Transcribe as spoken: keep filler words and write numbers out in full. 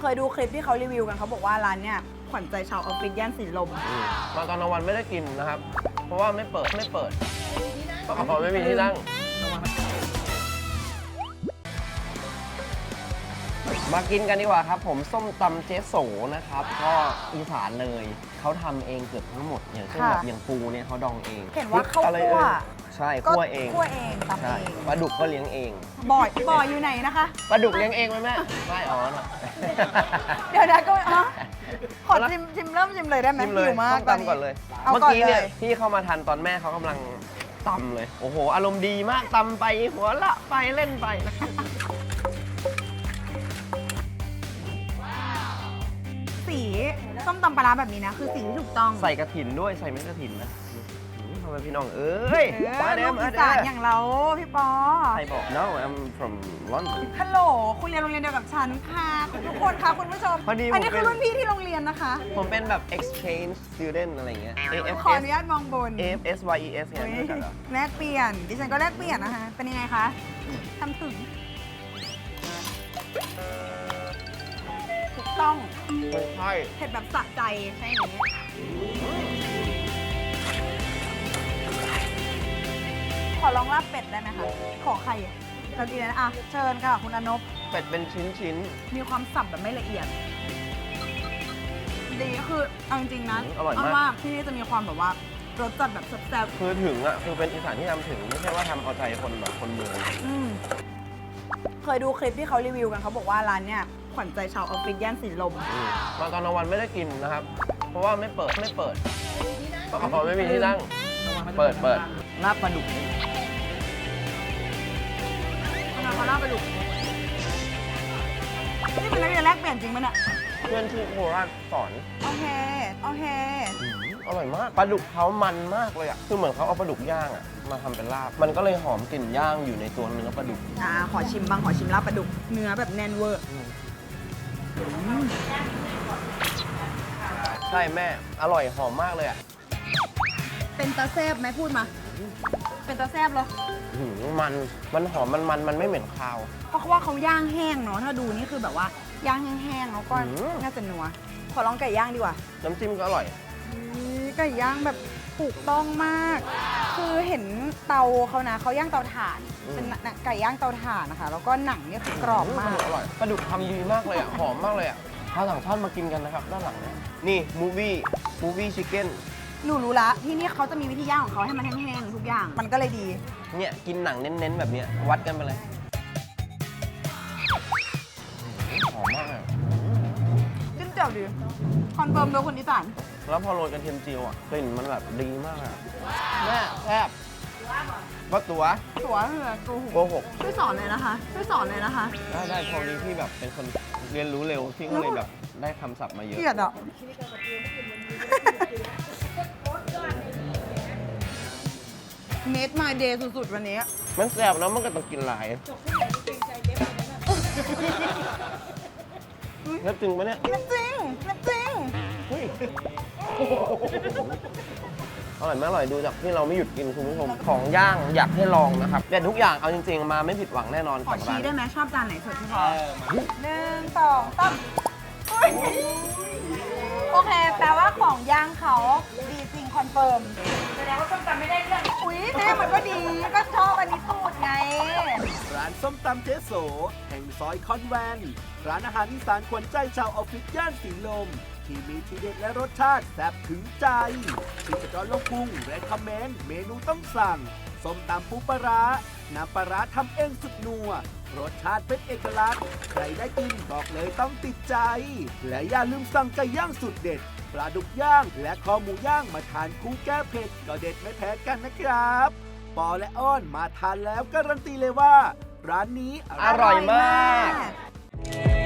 เคยดูคลิปที่เขารีวิวกันเขาบอกว่าร้านเนี่ยขวัญใจชาวออฟฟิศย่านสีลมมาตอนกลางวันไม่ได้กินนะครับ เพราะว่าไม่เปิดไม่เปิดเพราะไม่มีที่นั่งมากินกันดีกว่าครับผมส้มตำเจ๊โสนะครับก็อีสานเลยเขาทำเองเกือบทั้งหมดอย่างเช่นแบบอย่างปูเนี่ยเขาดองเองเห็นว่าเขาคั่วใช่คั่วเองคั่วเองตำเองปลาดุกก็เลี้ยงเองบ่อยบ่อยอยู่ไหนนะคะปลาดุกเลี้ยงเองไหมแม่ไม่อ๋อเดี๋ยวนะก็อ๋อขอชิมชิมเริ่มชิมเลยได้ไหมหิวมากตำก่อนเลยเมื่อกี้เนี่ยพี่เข้ามาทันตอนแม่เขากำลังตำเลยโอ้โหอารมณ์ดีมากตำไปหัวละไปเล่นไปสีส้มตำปลาร้าแบบนี้นะคือสีที่ถูกต้องใส่กระถินด้วยใส่เม็ดกระถินนะทำไมพี่น้องเอ้ยมาเด้อมาเด้ออย่างเราพี่ปอใครบอก No I'm from London ฮัลโหลคุณเรียนโรงเรียนเดียวกับฉันค่ะทุกคนค่ะคุณผู้ชมอันนี้คือรุ่นพี่ที่โรงเรียนนะคะผมเป็นแบบ exchange student อะไรเงี้ยขออนุญาตมองบน A F S Y E S ไงแลกเปลี่ยนดิฉันก็แลกเปลี่ยนนะคะเป็นยังไงคะทำถึงถูกต้องใช่เผ็ดแบบสะใจใช่ไหมขอลองลาบเป็ดได้ไหมคะขอใครเราดีเลยนะอ่ะเชิญค่ะคุณอนบเป็ดเป็นชิ้นชิ้นมีความสับแบบไม่ละเอียดดีก็คือเอาจริงๆนะอร่อยมากที่นี่จะมีความแบบว่ารสจัดแบบแซ่บๆคือถึงอ่ะคือเป็นอีสานที่ทำถึงไม่ใช่ว่าทำเอาใจคนแบบคนเมืองเคยดูคลิปที่เขารีวิวกันเขาบอกว่าร้านเนี่ยขวัญใจชาวออฟฟิศย่านสีลมมาตอนกลางวันไม่ได้กินนะครับ เพราะว่าไม่เปิดไม่เปิดเพราะไม่มีที่นั่งเปิดเปิดลาบปลาดุกทำไมเขาลาบปลาดุกนี่เป็นนักเรียนแลกเปลี่ยนจริงไหมเนี่ยเพื่อนที่โคราชสอนโอเคโอเคอร่อยมากปลาดุกเขามันมากเลยอ่ะคือเหมือนเขาเอาปลาดุกย่างอ่ะมาทำเป็นลาบมันก็เลยหอมกลิ่นย่างอยู่ในตัวเนื้อปลาดุกอ่าขอชิมบ้างขอชิมลาบปลาดุกเนื้อแบบแน่นเวอร์ใช่แม่อร่อยหอมมากเลยอ่ะเป็นตาแซบไหมพูดมาเป็นตาแซบเหรอมันมันหอมมันมันมันไม่เหม็นคาวเพราะว่าเขาย่างแห้งเนาะถ้าดูนี่คือแบบว่าย่างแห้งๆแล้วก็น่าจะนัวขอลองไก่ย่างดีกว่าน้ำจิ้มก็อร่อยไก่ย่างแบบถูกต้องมากคือเห็นเตาเขานะเขาย่างเตาถ่านเป็นไก่ย่างเตาถ่านนะคะแล้วก็หนังเนี่ยกรอบมากอร่อยปลาดุกทำดีมากเลยอ่ะหอมมากเลยอ่ะถ้าสั่งทอดมากินกันนะครับด้านหลังนี่มูวี่มูวี่ชิคเก้นหนูรู้ละที่นี่เขาจะมีวิธีย่างของเขาให้มันแห้งๆทุกอย่างมันก็เลยดีเนี่ยกินหนังเน้นๆแบบเนี้ยวัดกันไปเลยหอมมากเลยจิ้มแจ่วดีคอนเฟิร์มโดยคนอีสานแล้วพอโรยกระเทียมเจียวอ่ะกลิ่นมันแบบดีมากอ่ะแม่แซ่บว่าตัวตัวเหรอโกหกโกหกช่วยสอนเลยนะคะช่วยสอนเลยนะคะได้ได้พอดีที่แบบเป็นคนเรียนรู้เร็วที่ก็เลยแบบได้คำศัพท์มาเยอะเกลียดอ่ะเมดมาเดย์สุดๆวันนี้มันแซ่บแล้วมันก็ต้องกินหลายนับจริงปะเนี่ยนับจริงนับจริงอร่อยมากอร่อยดูจากที่เราไม่หยุดกินคุณผู้ชมของย่างอยากให้ลองนะครับแต่ทุกอย่างเอาจริงๆมาไม่ผิดหวังแน่นอนขอชี้ได้ไหมชอบจานไหนสุดที่พอหนึ่งสองสามโอเคแปลว่าของย่างเขาดีจริงคอนเฟิร์มแสดงว่าส้มตำไม่ได้เรื่องอุ้ยแม่มันก็ดีก็ชอบอันนี้สูตรไงร้านส้มตำเจ๊โสแห่งซอยคอนแวนต์ร้านอาหารอีสานขวัญใจชาวออฟฟิศย่านสีลมที่มีทีเด็ดและรสชาติแซ่บถึงใจที่จะจอดลงปรุงและคอมเมนต์เมนูต้องสั่งส้มตำปูปลาร้าน้ำปลาร้าทำเองสุดนัวรสชาติเป็นเอกลักษณ์ใครได้กินบอกเลยต้องติดใจและอย่าลืมสั่งไก่ย่างสุดเด็ดปลาดุกย่างและคอหมูย่างมาทานคู่แก้เผ็ดก็เด็ดไม่แพ้กันนะครับปอและอ้อนมาทานแล้วการันตีเลยว่าร้านนี้อร่อยมาก